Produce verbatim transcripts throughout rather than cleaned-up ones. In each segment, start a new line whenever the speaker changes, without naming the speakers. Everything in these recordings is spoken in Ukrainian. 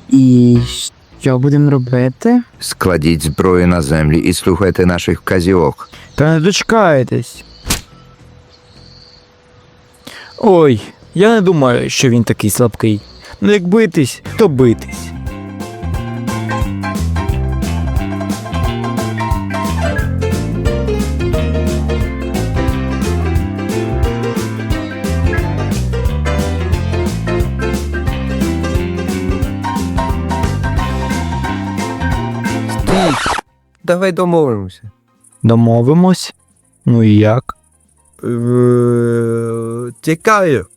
І що будемо робити?
Складіть зброю на землі і слухайте наших вказівок.
Та не дочекаєтесь. Ой, я не думаю, що він такий слабкий. Ну як битись, то битись.
Давай домовимося.
Домовимось? Ну і як?
Е, Тікаю.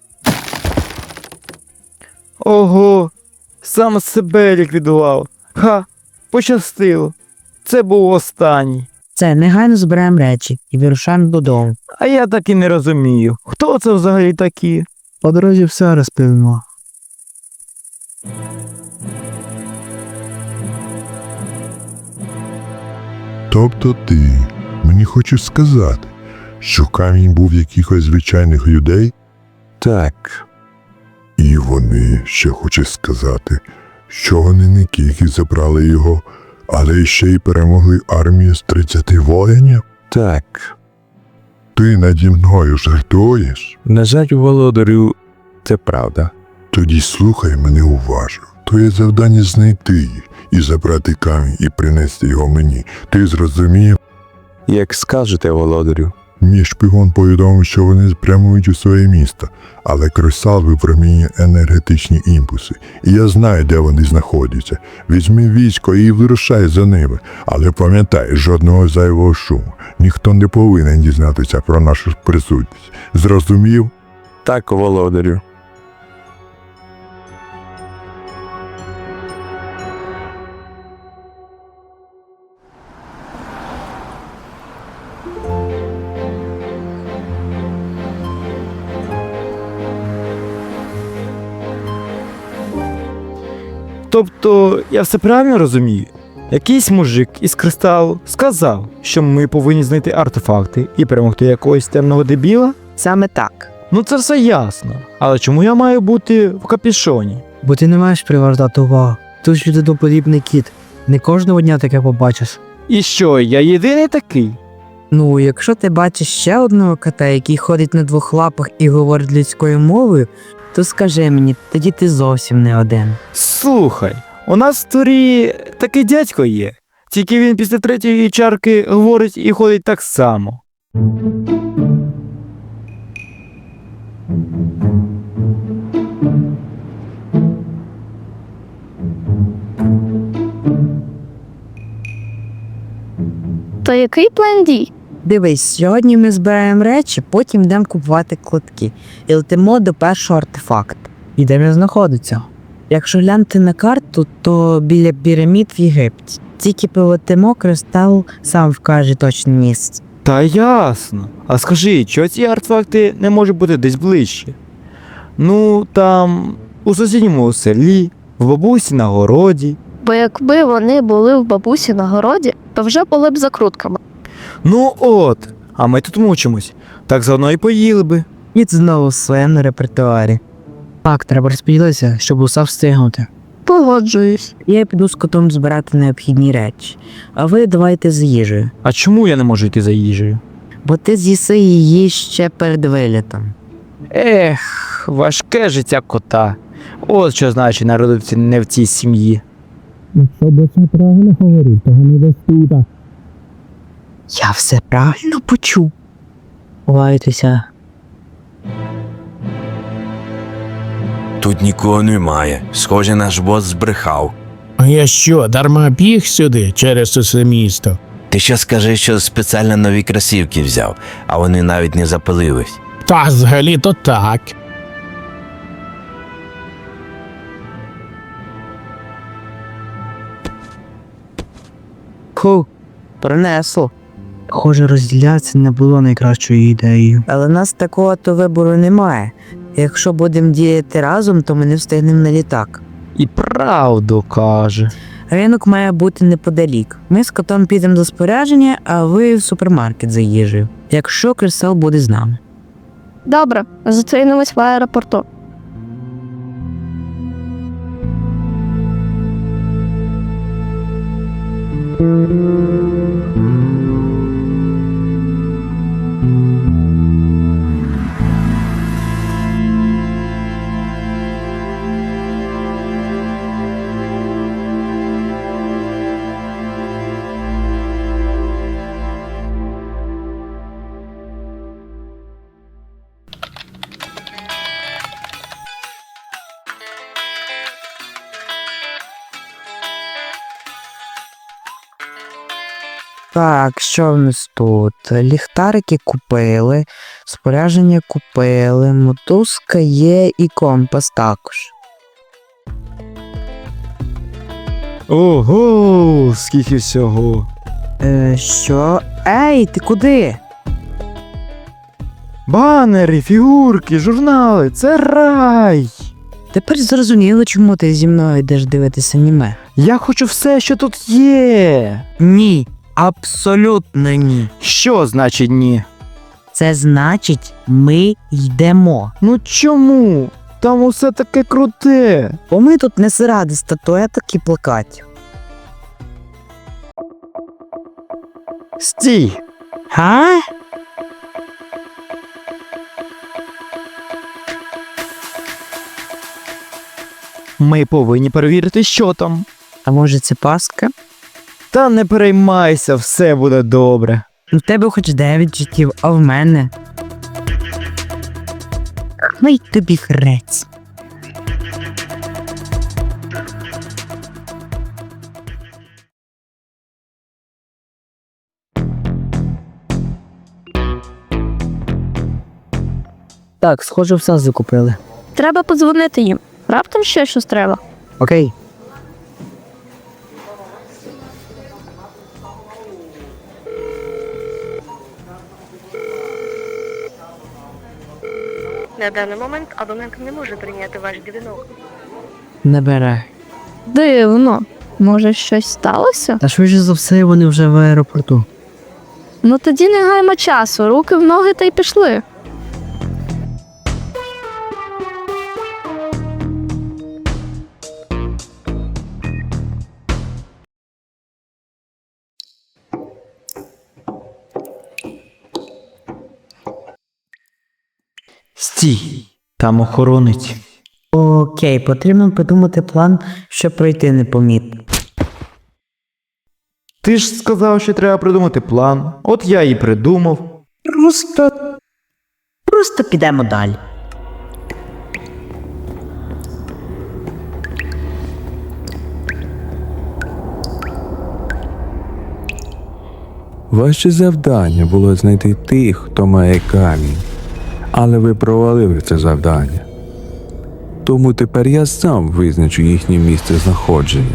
Ого, сам себе ліквідував. Ха, пощастило. Це був останній.
Це, негайно збираємо речі і вирушаємо додому.
А я так і не розумію, хто це взагалі такі?
По дорозі все розповімо.
Тобто ти мені хочеш сказати, що камінь був якихось звичайних людей?
Так.
І вони ще хочуть сказати, що вони не тільки забрали його, але ще й перемогли армію з тридцяти воїнів?
Так.
Ти наді мною жартуєш?
На жаль, володарю, це правда.
Тоді слухай мене уважно. Твоє завдання знайти їх і забрати камінь і принести його мені. Ти зрозумів?
Як скажете, володарю.
Мій шпигун повідомив, що вони прямують у своє місто, але кристал випромінює енергетичні імпульси. І я знаю, де вони знаходяться. Візьми військо і вирушай за ними. Але пам'ятай, жодного зайвого шуму. Ніхто не повинен дізнатися про нашу присутність. Зрозумів?
Так, володарю.
Тобто, я все правильно розумію? Якийсь мужик із кристалу сказав, що ми повинні знайти артефакти і перемогти якогось темного дебіла?
Саме так.
Ну це все ясно. Але чому я маю бути в капюшоні?
Бо ти не маєш привертати увагу. Тут ж людиноподібний кіт. Не кожного дня таке побачиш.
І що, я єдиний такий?
Ну, якщо ти бачиш ще одного кота, який ходить на двох лапах і говорить людською мовою, то скажи мені, тоді ти зовсім не один.
Слухай, у нас в турі такий дядько є. Тільки він після третьої чарки говорить і ходить так само.
То який план дій?
Дивись, сьогодні ми збираємо речі, потім йдемо купувати кладки і летимо до першого артефакту. І де він знаходиться? Якщо глянути на карту, то біля пірамід в Єгипті. Тільки полетимо, кристал сам вкаже точне місце.
Та ясно. А скажи, чого ці артефакти не можуть бути десь ближче? Ну, там, у сусідньому селі, в бабусі на городі.
Бо якби вони були в бабусі на городі, то вже були б закрутками.
Ну от, а ми тут мучимось. Так заодно і поїли би.
І знову в своєму репертуарі. Так, треба розподілитися, щоб усе встигнути.
Погоджуюсь.
Я піду з котом збирати необхідні речі, а ви давайте з їжею.
А чому я не можу йти за їжею?
Бо ти з'їси її ще перед вилітом.
Ех, важке життя кота. От що значить народитися не в цій сім'ї.
Якщо боча правильно говорить, то не десь тут.
Я все правильно почув. Лайтеся.
Тут нікого немає. Схоже, наш бос збрехав.
А я що, дарма біг сюди через усе місто?
Ти ще скажи, що спеціально нові кросівки взяв, а вони навіть не запилились.
Та взагалі то так.
Ху, принесло. Схоже, розділятися не було найкращою ідеєю. Але в нас такого то вибору немає. Якщо будемо діяти разом, то ми не встигнемо на літак.
І правду каже.
Ринок має бути неподалік. Ми з котом підемо до спорядження, а ви в супермаркет за їжею. Якщо кристал буде з нами.
Добре, зустрінемось в аеропорту.
Так, що в нас тут? Ліхтарики купили, спорядження купили, мотузка є і компас також.
Ого, скільки всього.
Е, що? Ей, ти куди?
Банери, фігурки, журнали, це рай.
Тепер зрозуміло, чому ти зі мною йдеш дивитися аніме.
Я хочу все, що тут є.
Ні, абсолютно ні.
Що значить ні?
Це значить, ми йдемо.
Ну чому? Там усе таке круте.
Бо ми тут не заради статуеток і плакатів.
Стій!
Га?
Ми повинні перевірити, що там.
А може це пастка?
Та не переймайся, все буде добре.
У тебе хоч дев'ять життів, а в мене. Хай тобі хрець. Так, схоже, все закупили.
Треба подзвонити їм. Раптом ще щось треба.
Окей.
На даний момент абонент не може прийняти ваш дзвінок.
Не бере.
Дивно. Може, щось сталося?
Та швидше за все вони вже в аеропорту.
Ну тоді не гаймо часу, руки в ноги та й пішли.
Стій! Там охоронець.
Окей, потрібно придумати план, щоб пройти непомітно.
Ти ж сказав, що треба придумати план. От я і придумав.
Просто. Просто підемо далі.
Ваше завдання було знайти тих, хто має камінь. Але ви провалили це завдання. Тому тепер я сам визначу їхнє місце знаходження.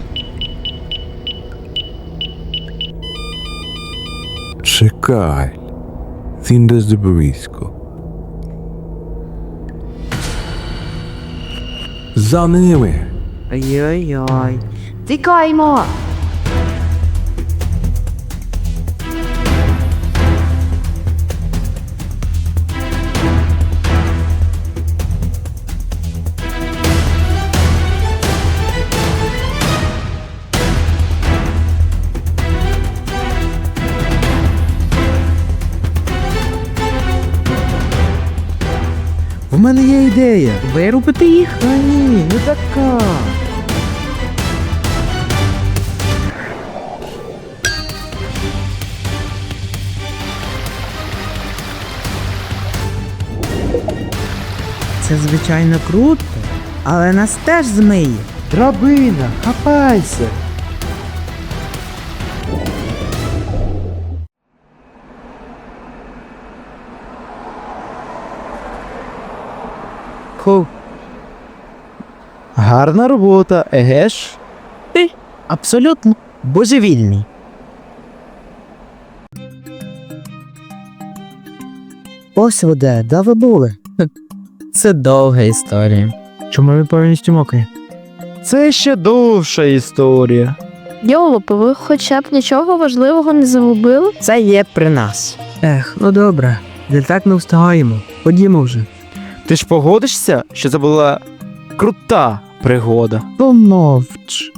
Чекай. Він десь близько. За ними!
Ой-ой-ой.
Тікаймо!
В мене є ідея.
Вирубити їх?
Та ні, не така.
Це звичайно круто, але нас теж змиє.
Драбина, хапайся.
Ху.
Гарна робота, еге ж?
Ти абсолютно божевільний. Ось ви де, де ви були? Це довга історія. Чому ви повністю мокрі?
Це ще довша історія.
Йолопи, ви хоча б нічого важливого не загубили?
Це є при нас. Ех, ну добре. Де так не встигаємо. Ходімо вже.
Ти ж погодишся, що це була крута пригода?
Помовч.